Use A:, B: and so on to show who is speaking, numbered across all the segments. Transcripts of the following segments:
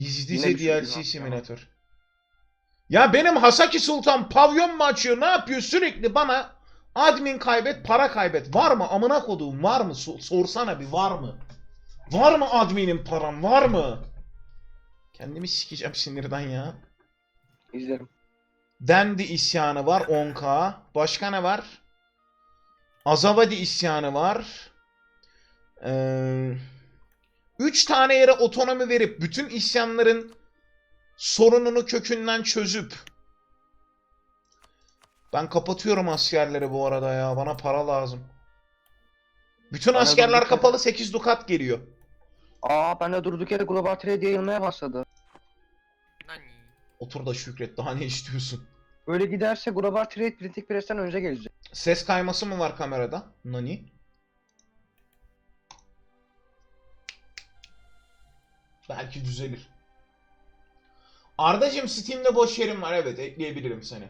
A: Gizlice
B: Yine bir şey
A: DLC
B: yok
A: simülatör. Ya benim Hasaki Sultan pavyon mu açıyor? Ne yapıyor? Sürekli bana admin kaybet, para kaybet. Var mı? Amına koduğum var mı? Sorsana bir var mı? Var mı adminin param? Var mı? Kendimi sikeceğim sinirden ya.
B: İzlerim.
A: Dendi isyanı var 10K. Başka ne var? Azavadi isyanı var. 3 tane yere otonomi verip bütün isyanların sorununu kökünden çözüp ben kapatıyorum askerleri bu arada ya. Bana para lazım. Bütün
B: Ben de
A: askerler
B: durduk
A: kapalı
B: yere...
A: 8 dukat geliyor.
B: Ben de durduk yere Global Trade yayılmaya başladı.
C: Nani?
A: Otur da şükret. Daha ne istiyorsun?
B: Böyle giderse Global Trade Printing Press'ten önce gelecek.
A: Ses kayması mı var kamerada? Nani? Belki düzelir. Ardacığım Steam'de boş yerim var. Evet ekleyebilirim seni.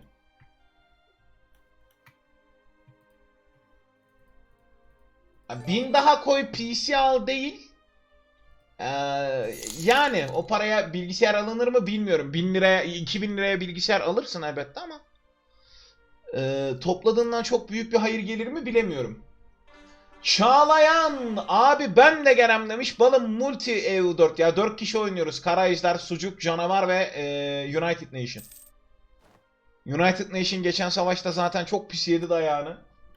A: Ya 1000 daha koy PC al değil. Ee, Yani o paraya bilgisayar alınır mı bilmiyorum. 1000 liraya 2000 liraya bilgisayar alırsın elbette ama topladığından çok büyük bir hayır gelir mi bilemiyorum. Çağlayan abi ben de gelem demiş. Balım multi EU4 ya 4 kişi oynuyoruz. Kara Ejder, Sucuk, Canavar ve United Nation. United Nation geçen savaşta zaten çok pis yedi dayağını.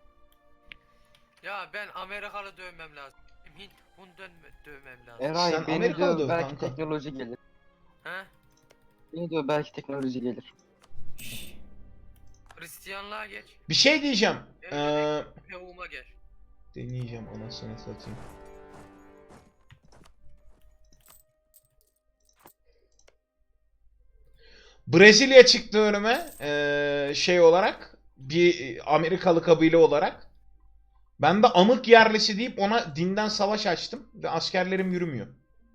C: Ya ben Amerikalı dövmem lazım. Hint bundan dövmem lazım.
B: Eray
A: Sen
B: beni
A: Amerikalı
B: diyor
A: döv
B: belki
A: kanka.
B: teknoloji gelir.
C: He?
B: Beni diyor belki teknoloji gelir.
C: Şşş. Hristiyanlığa geç.
A: Bir şey diyeceğim.
C: Yavuma gel.
A: Deneyeceğim anasını satayım. Brezilya çıktı önüme şey olarak bir Amerikalı kabile olarak. Ben de amık yerlisi deyip ona dinden savaş açtım ve askerlerim yürümüyor.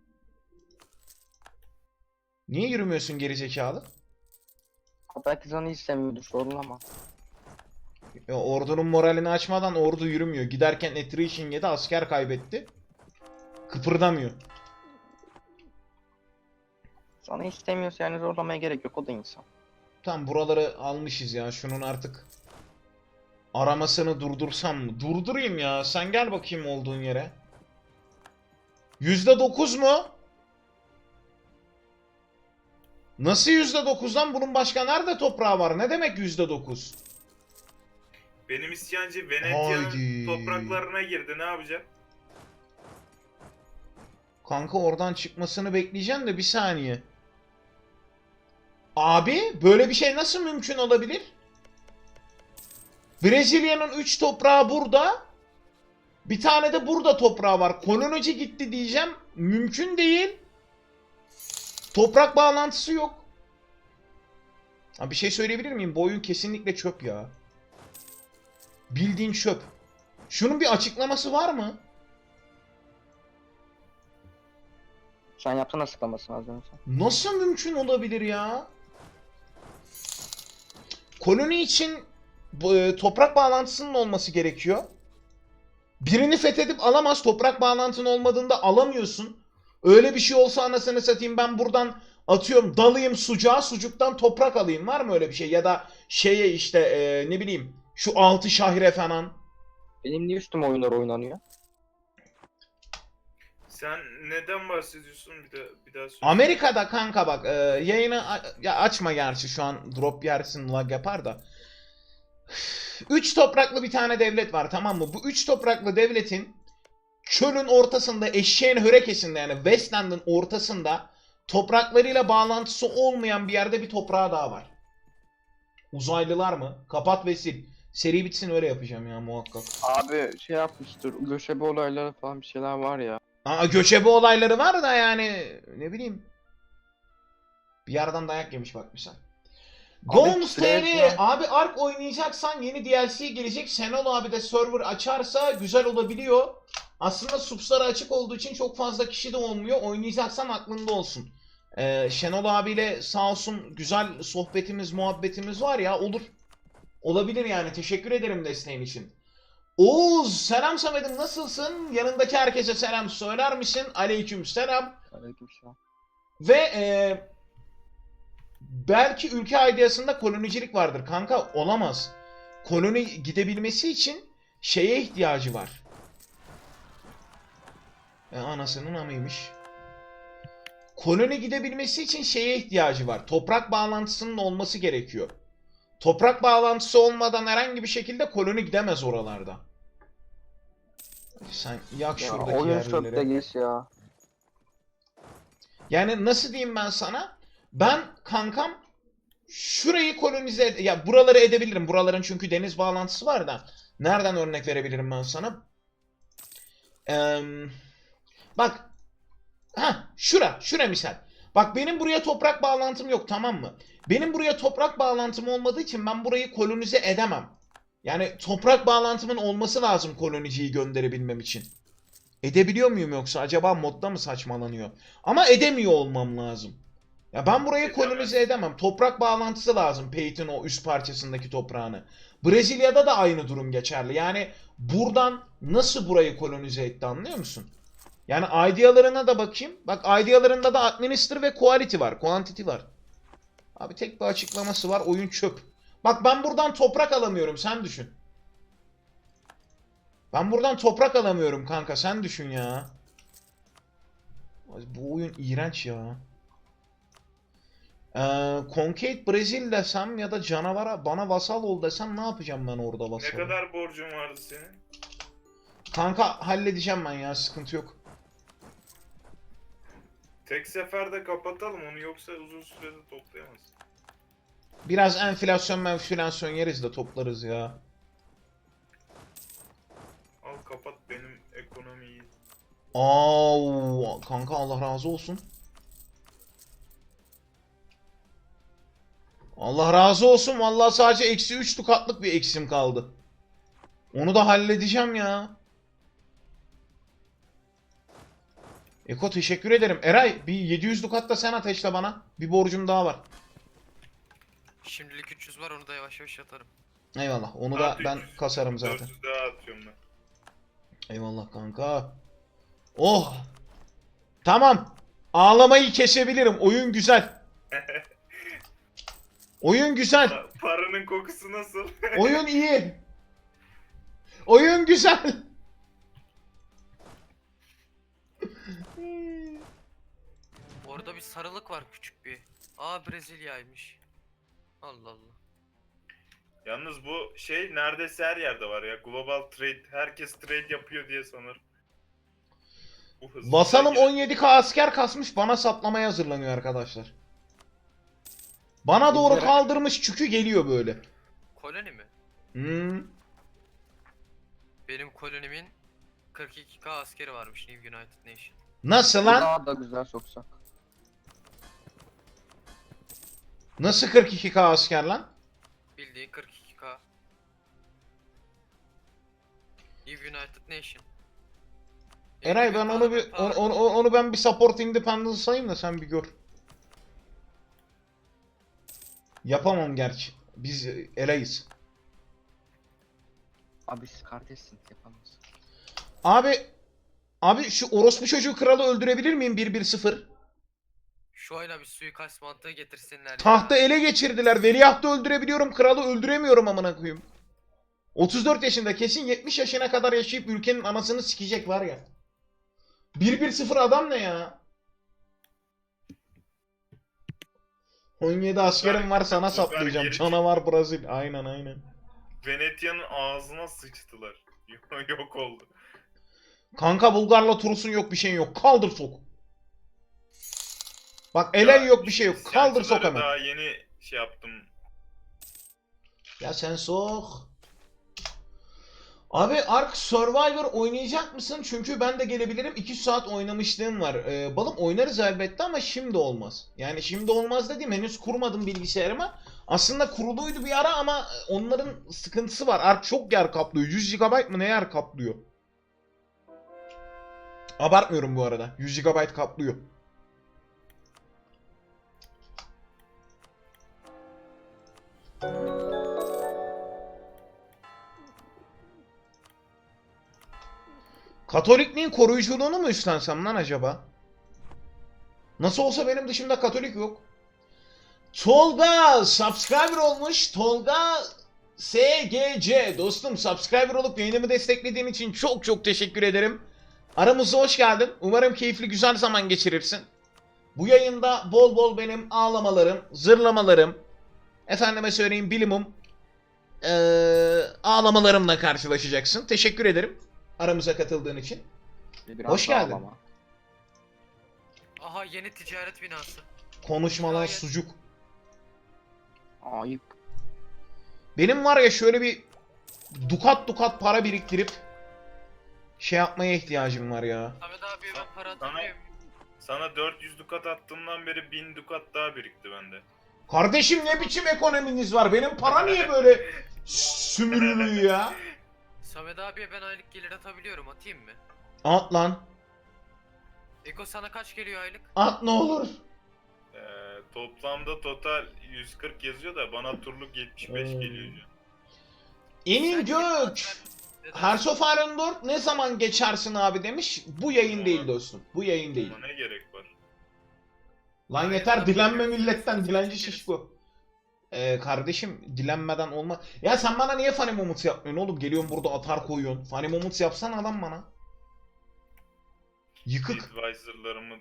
A: Niye yürümüyorsun gerizekalı?
B: Belki canı istemiyordur sorulama.
A: Ya, ordunun moralini açmadan ordu yürümüyor. Giderken attrition yedi asker kaybetti. Kıpırdamıyor.
B: Sana istemiyorsa yani zorlamaya gerek yok, o da insan.
A: Tam buraları almışız ya. Şunun artık aramasını durdursam mı? Durdurayım ya. Sen gel bakayım olduğun yere. %9 mu? Nasıl %9'dan? Bunun başka nerede toprağı var? Ne demek %9?
D: Benim isyancı
A: Haydi.
D: Venetya'nın topraklarına girdi. Ne yapacak?
A: Kanka oradan çıkmasını bekleyeceğim de bir saniye. Abi böyle bir şey nasıl mümkün olabilir? Brezilya'nın 3 toprağı burada. Bir tane de burada toprağı var. Kolonici gitti diyeceğim. Mümkün değil. Toprak bağlantısı yok. Ha, bir şey söyleyebilir miyim? Bu oyun kesinlikle çöp ya. Bildiğin çöp. Şunun bir açıklaması var mı?
B: Sen yaptın açıklamasını az önce.
A: Nasıl mümkün olabilir ya? Koloni için toprak bağlantısının olması gerekiyor. Birini fethedip alamaz. Toprak bağlantın olmadığında alamıyorsun. Öyle bir şey olsa anasını satayım ben buradan atıyorum dalayım sucuğa sucuktan toprak alayım. Var mı öyle bir şey? Ya da şeye işte ne bileyim şu 6 şahire falan.
B: Benim niye üstüme oyunlar oynanıyor?
D: Sen neden bahsediyorsun? Bir daha söyle.
A: Amerika'da kanka bak yayını ya açma gerçi şu an drop yersin lag yapar da. 3 topraklı bir tane devlet var tamam mı? Bu 3 topraklı devletin çölün ortasında eşeğin hörekesinde yani Westland'ın ortasında topraklarıyla bağlantısı olmayan bir yerde bir toprağı daha var. Uzaylılar mı? Kapat ve sil. Seri bitsin öyle yapacağım ya muhakkak.
B: Abi şey yapmıştır, göçebe olayları falan bir şeyler var ya.
A: Aa, göçebe olayları var da yani ne bileyim. Bir yerden dayak yemiş bak misal. Gons TR abi Ark oynayacaksan yeni DLC gelecek. Senol abi de server açarsa güzel olabiliyor. Aslında subsları açık olduğu için çok fazla kişi de olmuyor. Oynayacaksan aklında olsun. Şenol abiyle sağ olsun güzel sohbetimiz, muhabbetimiz var ya olur. Olabilir yani. Teşekkür ederim desteğin için. Oğuz selam Samet'im nasılsın? Yanındaki herkese selam söyler misin? Aleyküm selam.
B: Aleykümselam.
A: Ve belki ülke ideasında kolonicilik vardır. Kanka olamaz. Koloni gidebilmesi için şeye ihtiyacı var. Anasının amıymış. Koloni gidebilmesi için şeye ihtiyacı var. Toprak bağlantısının olması gerekiyor. Toprak bağlantısı olmadan herhangi bir şekilde koloni gidemez oralarda. Sen yak
B: Ya
A: şuradaki
B: oyun çöpte
A: yerlileri.
B: geç ya.
A: Yani nasıl diyeyim ben sana? Ben kankam şurayı kolonize ya buraları edebilirim. Buraların çünkü deniz bağlantısı var da. Nereden örnek verebilirim ben sana? Bak. Şura misal. Bak benim buraya toprak bağlantım yok, tamam mı? Benim buraya toprak bağlantım olmadığı için ben burayı kolonize edemem. Yani toprak bağlantımın olması lazım koloniciyi gönderebilmem için. Edebiliyor muyum yoksa acaba modda mı saçmalanıyor? Ama edemiyor olmam lazım. Ya ben burayı kolonize edemem. Toprak bağlantısı lazım Peyton o üst parçasındaki toprağını. Brezilya'da da aynı durum geçerli. Yani buradan nasıl burayı kolonize etti, anlıyor musun? Yani idealarına da bakayım. Bak idealarında da administer ve quality var. Quantity var. Abi tek bir açıklaması var. Oyun çöp. Bak ben buradan toprak alamıyorum. Sen düşün. Ben buradan toprak alamıyorum kanka. Sen düşün ya. Bu oyun iğrenç ya. Concade Brazil desem ya da canavara bana vasal ol desem ne yapacağım ben orada
D: Ne
A: vasal?
D: kadar borcun vardı senin?
A: Kanka halledeceğim ben ya, sıkıntı yok.
D: Tek seferde kapatalım onu, yoksa uzun sürede toplayamaz.
A: Biraz enflasyon yeriz de toplarız ya.
D: Al kapat, benim ekonomiyi.
A: Kanka Allah razı olsun. Allah razı olsun. Vallahi sadece eksi 3 dukatlık bir eksim kaldı. Onu da halledeceğim ya. Eko teşekkür ederim. Eray bir 700 dukat da sen ateşle bana. Bir borcum daha var.
C: Şimdilik 300 var, onu da yavaş yavaş atarım.
A: Eyvallah. Onu da ben kasarım zaten.
D: 400 daha atıyorum ben.
A: Eyvallah kanka. Oh. Tamam. Ağlamayı kesebilirim. Oyun güzel. Oyun güzel.
D: Paranın kokusu nasıl?
A: Oyun iyi. Oyun güzel.
C: Orada bir sarılık var, küçük bir. Brezilya'ymış. Allah Allah.
D: Yalnız bu şey neredeyse her yerde var ya. Global trade. Herkes trade yapıyor diye sanırım. Bu hızlı
A: Vasalım
D: şekilde-
A: 17k asker kasmış, bana saplamaya hazırlanıyor arkadaşlar. Bana doğru
B: Bizlere-
A: kaldırmış çükü geliyor böyle.
C: Koloni mi?
A: Hmm.
C: Benim kolonimin 42k askeri varmış New United Nation.
A: Nasıl lan?
B: Daha da güzel soksak.
A: Nasıl 42k asker lan?
C: Bildiğin 42k. New United Nation.
A: Eray ben onu bir onu ben bir support independence sayayım da sen bir gör. Yapamam gerçi. Biz eleyiz.
B: Abi siz kardeşsiniz, yapamazsın.
A: Abi şu orospu çocuğu kralı öldürebilir miyim 1-1-0?
C: Şu ayla bir suikast mantığı getirsinler
A: Tahtı
C: ya.
A: ele geçirdiler. Veliahtı öldürebiliyorum, kralı öldüremiyorum amına koyayım. 34 yaşında, kesin 70 yaşına kadar yaşayıp ülkenin anasını sikecek var ya. 1-1-0 adam ne ya? 17 askerim var, sana
D: Bunlar
A: saplayacağım.
D: geri-
A: Canavar Brazil. Aynen.
D: Venetya'nın ağzına sıçtılar. Yok oldu.
A: Kanka Bulgar'la Turus'un yok, bir şeyin yok. Kaldır sok. Bak Elen yok, bir şey yok. Kaldır sok
D: İsyancıları
A: hemen.
D: Daha yeni şey yaptım.
A: Ya sen sok. Abi Ark Survivor oynayacak mısın? Çünkü ben de gelebilirim. 2 saat oynamışlığım var. Balım oynarız elbette ama şimdi olmaz. Yani şimdi olmaz dediğim, henüz kurmadım bilgisayarıma. Aslında kuruluydu bir ara ama onların sıkıntısı var. Ark çok yer kaplıyor. 100 GB mı ne yer kaplıyor? Abartmıyorum bu arada. 100 GB kaplıyor. Katolikliğin koruyuculuğunu mu üstlensem lan acaba? Nasıl olsa benim dışımda Katolik yok. Tolga subscriber olmuş. Tolga SGC. Dostum subscriber olup yayınımı desteklediğin için çok çok teşekkür ederim. Aramıza hoş geldin. Umarım keyifli güzel zaman geçirirsin. Bu yayında bol bol benim ağlamalarım, zırlamalarım, efendime söyleyeyim bilimum, ağlamalarımla karşılaşacaksın. Teşekkür ederim aramıza katıldığın için.
B: Biraz
A: Hoş
B: daha
A: geldin.
B: ağlama.
C: Aha yeni ticaret binası.
A: Konuşmalar
C: Hayır.
A: sucuk.
B: Ayıp.
A: Benim var ya şöyle bir dukat para biriktirip şey yapmaya ihtiyacım var ya.
C: Samet abi ben para
D: Sana-
C: atabiliyor muyum?
D: Sana 400 dukat attığımdan beri 1000 dukat daha birikti bende.
A: Kardeşim ne biçim ekonominiz var? Benim para niye böyle sümürülüyor ya?
C: Samet abiye ben aylık gelir atabiliyorum, atayım mı?
A: At lan.
C: Eko sana kaç geliyor aylık?
A: At ne olur.
D: Toplamda total 140 yazıyor da bana turluk 75 geliyor şu an.
A: Emin
C: Sen
A: Gök.
C: neden?
A: Hearts of Iron 4 ne zaman geçersin abi demiş. Bu yayın değil dostum. Bu yayın değil.
D: Ama ne gerek var?
A: Lan
C: Hayır,
A: yeter
C: abi,
A: dilenme
C: yok.
A: milletten. Dilenci
C: Çekeriz.
A: şişko. Kardeşim dilenmeden olma. Ya sen bana niye funny moments yapmıyorsun oğlum? Geliyorsun burada atar koyuyorsun. Funny moments yapsan adam bana. Yıkık.
D: Advisor'larımı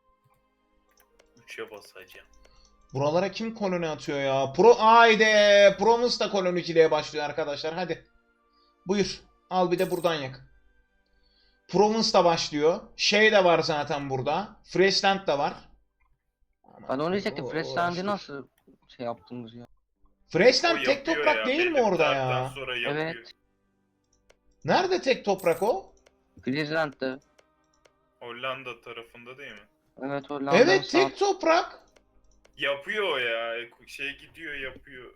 D: 3'e basacağım.
A: Buralara kim koloni atıyor ya? Haydi. Promus da koloniciliğe başlıyor arkadaşlar. Hadi. Buyur. Al bir de buradan yak. Provence da başlıyor. Şey de var zaten burada. Freshland da var.
B: Ben onu diyecektim.
A: O-
B: Freshland'i
A: uğraştık.
B: nasıl şey yaptınız ya?
A: Freshland
D: O
A: tek
D: yapıyor
A: toprak
D: ya,
A: değil mi
D: belli bir
A: orada
D: saatten
A: ya?
D: sonra yapıyor.
B: Evet.
A: Nerede tek toprak o?
B: Friesland'de.
D: Hollanda tarafında değil mi?
B: Evet Hollanda'nın
A: Evet
B: sağ.
A: tek toprak.
D: Yapıyor o ya. Şey gidiyor yapıyor.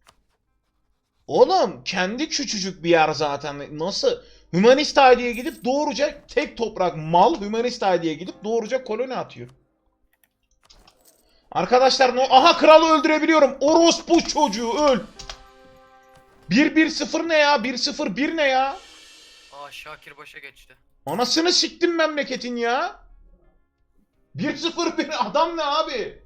A: Oğlum kendi küçücük bir yer zaten. Nasıl? Hümanist ID'ye gidip doğruca tek toprak mal Hümanist ID'ye gidip doğruca koloni atıyor. Arkadaşlar aha kralı öldürebiliyorum. Orospu çocuğu öl. 1-1-0 ne ya? 1-0-1 ne ya?
C: Aa Şakir başa geçti.
A: Anasını siktim memleketin ya. 1-0-1 adam ne abi?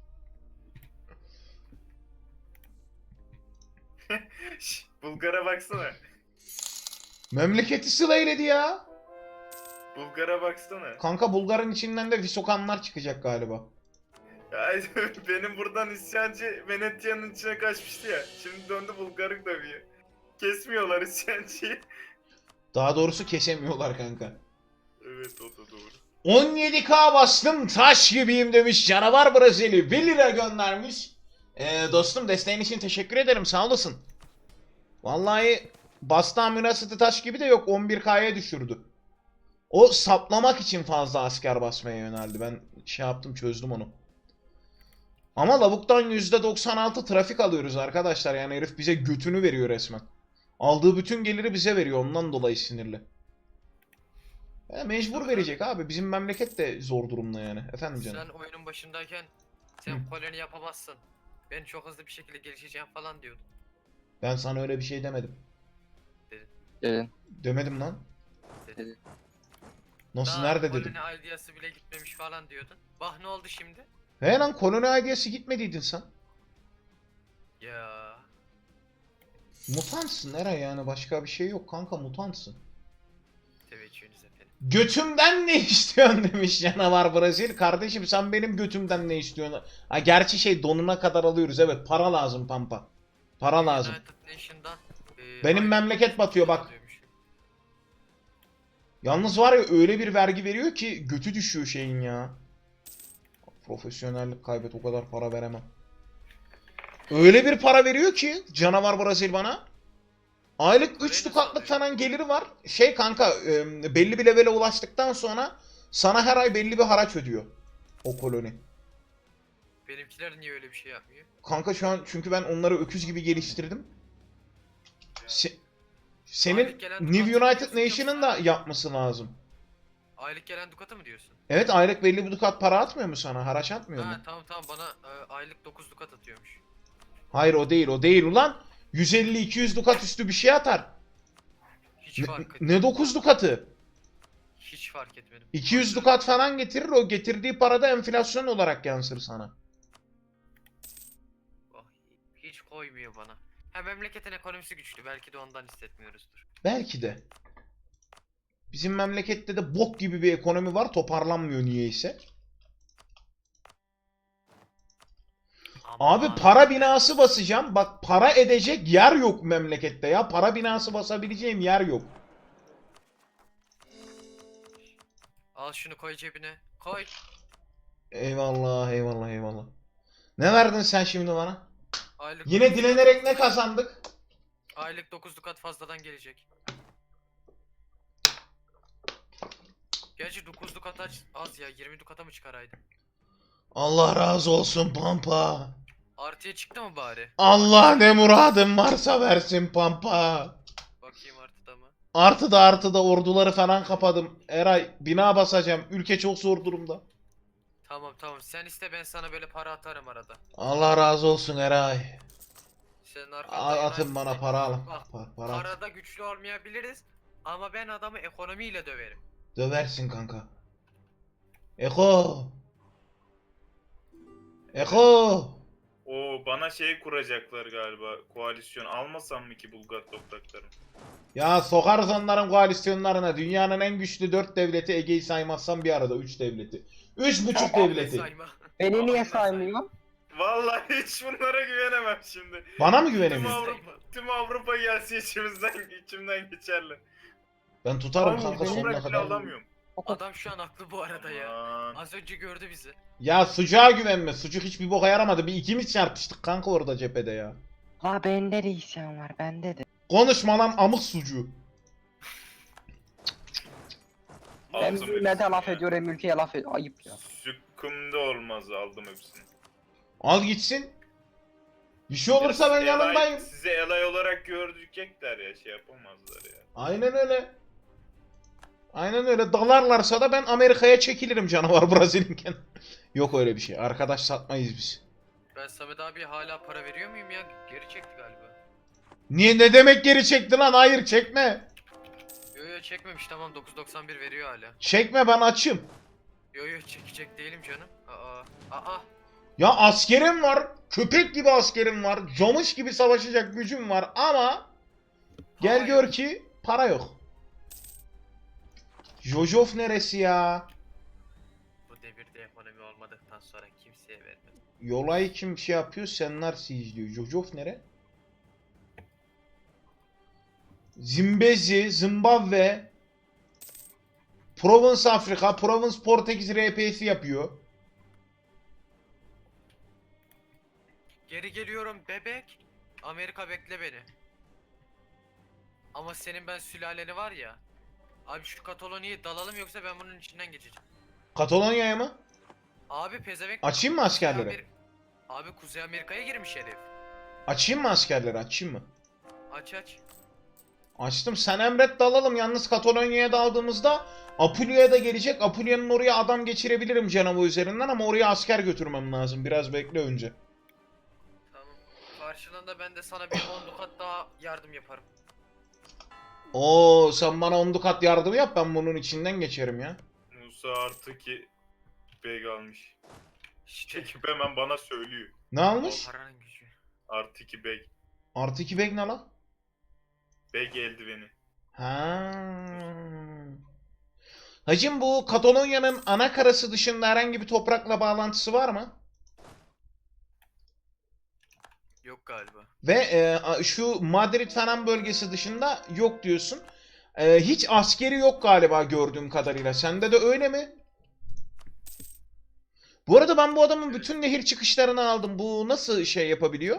D: Bulgar'a baksana.
A: Memleketi sılayledi ya.
D: Bulgar'a baksana.
A: Kanka Bulgar'ın içinden de Visokanlar çıkacak galiba.
D: Ya, benim buradan isyancı Venetya'nın içine kaçmıştı ya. Şimdi döndü Bulgar'ı dövüyor. Kesmiyorlar isyancıyı.
A: Daha doğrusu kesemiyorlar kanka.
D: Evet o da doğru.
A: 17k bastım taş gibiyim demiş canavar Brezilya 1 lira göndermiş. Dostum desteğin için teşekkür ederim sağ olasın. Vallahi bastığım münasıtı taş gibi de yok 11k'ya düşürdü. O saplamak için fazla asker basmaya yöneldi. Ben şey yaptım çözdüm onu. Ama lavuktan %96 trafik alıyoruz arkadaşlar. Yani herif bize götünü veriyor resmen. Aldığı bütün geliri bize veriyor ondan dolayı sinirli. Mecbur verecek abi. Bizim memleket de zor durumda yani. Efendim canım.
C: Sen oyunun başındayken sen koloni yapamazsın. Ben çok hızlı bir şekilde gelişeceğim falan diyordun.
A: Ben sana öyle bir şey demedim.
B: Dedin.
A: Demedim lan.
B: Dedi.
A: Nasıl
C: Daha
A: nerede dedim.
C: koloni ideası bile gitmemiş falan diyordun. Bak ne oldu şimdi?
A: He lan koloni ideyası gitmediydin sen.
C: Ya
A: Mutantsın Eray yani başka bir şey yok kanka mutantsın.
C: teveccühünüz efendim.
A: Götümden ne istiyorsun demiş canavar Brazil. Kardeşim sen benim götümden ne istiyorsun? Ha gerçi şey donuna kadar alıyoruz evet para lazım pampa. Para lazım.
C: United Nation'dan
A: Benim
C: aylık
A: memleket batıyor, bak.
C: alıyormuş.
A: Yalnız var ya öyle bir vergi veriyor ki götü düşüyor şeyin ya. Profesyonellik kaybet o kadar para veremem. Öyle bir para veriyor ki canavar Brazil bana. Aylık 3
C: Parayı
A: dukatlık
C: nasıl
A: falan geliri var. Şey kanka belli bir levele ulaştıktan sonra sana her ay belli bir haraç ödüyor. O koloni.
C: Benimkiler niye öyle bir şey yapmıyor?
A: Kanka şu an çünkü ben onları öküz gibi geliştirdim. Senin
C: Aylık gelen
A: New
C: dukat
A: United
C: diyorsun
A: Nation'ın
C: yoksa-
A: da yapması lazım.
C: Aylık gelen dukatı mı diyorsun?
A: Evet aylık belli bir dukat para atmıyor mu sana? Haraç atmıyor mu?
C: Ha tamam bana aylık 9 dukat atıyormuş.
A: Hayır o değil o değil ulan. 150-200 dukat üstü bir şey atar.
C: Hiç fark
A: Ne 9 dukatı?
C: Hiç fark etmedim.
A: 200 dukat falan getirir, o getirdiği parada enflasyon olarak yansır sana.
C: Oh, hiç koymuyor bana. Ha, memleketin ekonomisi güçlü. Belki de ondan hissetmiyoruzdur.
A: Belki de. Bizim memlekette de bok gibi bir ekonomi var, toparlanmıyor niyeyse. Abi
C: Aman.
A: para binası basacağım. Bak para edecek yer yok memlekette ya. Para binası basabileceğim yer yok.
C: Al şunu koy cebine. Koy.
A: Eyvallah, eyvallah, eyvallah. Ne verdin sen şimdi bana?
C: Aylık
A: Yine
C: 9
A: dilenerek ne kazandık?
C: Aylık 9 dukat fazladan gelecek. Gerçi 9 dukat az ya. 20 dukata mı çıkaraydın?
A: Allah razı olsun Pampa.
C: Artıya çıktı mı bari?
A: Allah ne muradın varsa versin Pampa.
C: Bakayım artıda mı?
A: Artıda orduları falan kapadım. Eray bina basacağım. Ülke çok zor durumda.
C: Tamam. Sen iste, ben sana böyle para atarım arada.
A: Allah razı olsun Eray.
C: Senin arkanda
A: Atın bana para al.
C: Bak,
A: Para at.
C: parada güçlü olmayabiliriz ama ben adamı ekonomiyle döverim.
A: Döversin kanka. Eko. Eko.
D: O bana şey kuracaklar galiba. Koalisyon. Almasam mı ki Bulgar topraklarını?
A: Ya sokarız onların koalisyonlarına. Dünyanın en güçlü 4 devleti, Ege'yi saymazsam bir arada 3 devleti. 3,5 devleti.
C: Sayma.
B: Beni niye
C: Aynen
B: saymıyor?
D: Vallahi hiç bunlara güvenemem şimdi.
A: Bana mı
D: Tüm
A: güvenemiyorsun?
D: Avrupa gelse içimden geçerler.
A: Ben tutarım
B: Abi,
A: kanka
B: benim
A: sonuna
D: Toprak bile
A: kadar.
D: alamıyorum.
C: Adam şu an haklı bu arada ya.
D: Aman.
C: Az önce gördü bizi.
A: Ya sucuğa güvenme. Sucuk hiçbir boka yaramadı. Bir ikimiz çarpıştık kanka orada cephede ya.
B: Ha bende de isyan var bende de.
A: Konuşma lan amık sucuğu.
B: Ben
D: Aldım
B: millete
D: hepsini
B: laf
D: ya.
B: ediyor hem ülkeye laf ediyor. Ayıp ya.
D: Sıkkımda olmaz, aldım hepsini.
A: Al gitsin. Bir şey olursa ben
D: Sizi elay-
A: yanındayım.
D: Sizi elay olarak görecekler ya, şey yapamazlar ya.
A: Aynen öyle. Aynen öyle. Dalarlarsa da ben Amerika'ya çekilirim canavar Brazilya'nken. Yok öyle bir şey. Arkadaş satmayız biz.
C: Ben Samet abi hala para veriyor muyum ya? Geri çekti galiba.
A: Niye ne demek geri çekti lan? Hayır çekme.
C: Yo çekmemiş, tamam 9.91 veriyor hala.
A: Çekme ben açım.
C: Yo çekecek değilim canım. Aa.
A: Ya askerim var. Köpek gibi askerim var. Camış gibi savaşacak gücüm var ama gel
C: Para
A: gör
C: yok.
A: ki para yok. Jojof neresi ya?
C: Bu devirde ekonomi olmadıktan sonra kimseye vermem.
A: Yolay kim şey yapıyor? Senler izliyor. Jojof nere? Zimbezi, Zimbabwe, Provence Afrika, Provence Portekiz RP'si yapıyor.
C: Geri geliyorum bebek. Amerika bekle beni. Ama senin ben sülaleni var ya. Abi şu Katalonya'yı dalalım yoksa ben bunun içinden geçeceğim.
A: Katalonya'ya mı?
C: Abi pezevenk.
A: Açayım mı askerleri?
C: Abi Kuzey Amerika'ya girmiş herif.
A: Açayım mı askerleri? Açayım mı?
C: Aç.
A: Açtım. Sen emret dalalım. Yalnız Katalonya'ya daldığımızda Apulia'ya da gelecek. Apulia'nın oraya adam geçirebilirim Cenova üzerinden ama oraya asker götürmem lazım. Biraz bekle önce.
C: Tamam. Karşılığında ben de sana bir 10 dukat daha yardım yaparım.
A: Oo sen bana 10 dukat yardım yap ben bunun içinden geçerim ya.
D: Musa artı ki beg almış.
C: İşte
D: Çekip hemen bana söylüyor.
A: Ne almış?
C: o paranın gücü.
D: Artı 2 beg.
A: Artı 2 bek ne lan?
D: Beg eldiveni.
A: Ha. Hacım bu Katalonya'nın ana karası dışında herhangi bir toprakla bağlantısı var mı?
C: Yok galiba.
A: Ve şu Madrid falan bölgesi dışında yok diyorsun. Hiç askeri yok galiba gördüğüm kadarıyla. Sende de öyle mi? Bu arada ben bu adamın bütün nehir çıkışlarını aldım. Bu nasıl şey yapabiliyor?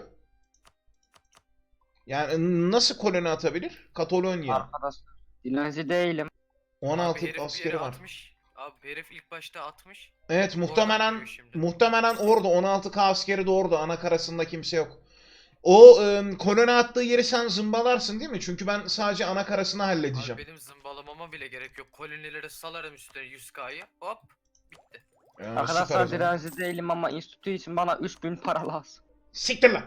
A: Yani nasıl koloni atabilir? Katalonya.
B: Arkadaş dilenci değilim.
A: 16
C: Abi herif bir
A: askeri
C: yere
A: var.
C: atmış. Abi herif ilk başta atmış.
A: Evet
C: Oradan
A: muhtemelen
C: geliyor şimdi.
A: muhtemelen orada 16K askeri de orada. Ana karasında kimse yok. O koloni attığı yeri sen zımbalarsın değil mi? Çünkü ben sadece ana karasını halledeceğim.
C: Abi benim zımbalamama bile gerek yok. Kolonileri salarım üstüne 100K'yı. Hop. Bitti.
A: Süper o
B: Arkadaşlar
A: zaman.
B: dilenci değilim ama enstitü için bana 3000 para lazım.
A: Siktir lan.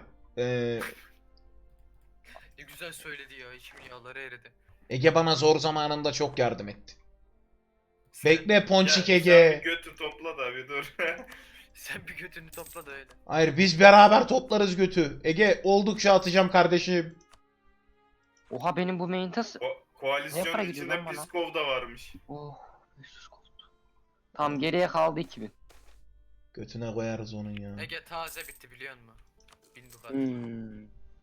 C: Ne güzel söyledi ya. İçim yağları eridi.
A: Ege bana zor zamanında çok yardım etti. Bekle Ponçik
D: Sen bir
A: Ege.
D: götü topla da bir dur.
C: Sen bir götünü topla da öyle.
A: Hayır biz beraber toplarız götü. Ege oldukça atacağım kardeşim.
B: Oha benim bu main tas... Ne para
D: Koalisyonun
B: gidiyor
D: içinde
B: lan bana?
D: Piskov da varmış.
B: Oh 500 gold. Tam geriye kaldı 2000.
A: Götüne koyarız onun ya.
C: Ege taze bitti biliyor musun? 1000 dukat.
B: Hmm.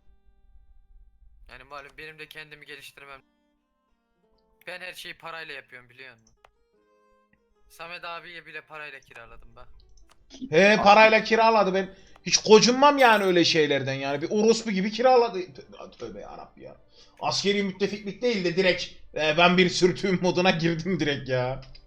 C: Yani malum benim de kendimi geliştirmem. Ben her şeyi parayla yapıyorum biliyor musun? Samet abiye bile parayla kiraladım bak.
A: He parayla kiraladı ben. Hiç gocunmam yani öyle şeylerden yani. Bir orospu gibi kiraladı. Tövbe yarabbim ya. Askeri müttefiklik değil de direkt ben bir sürtüğüm moduna girdim direkt ya.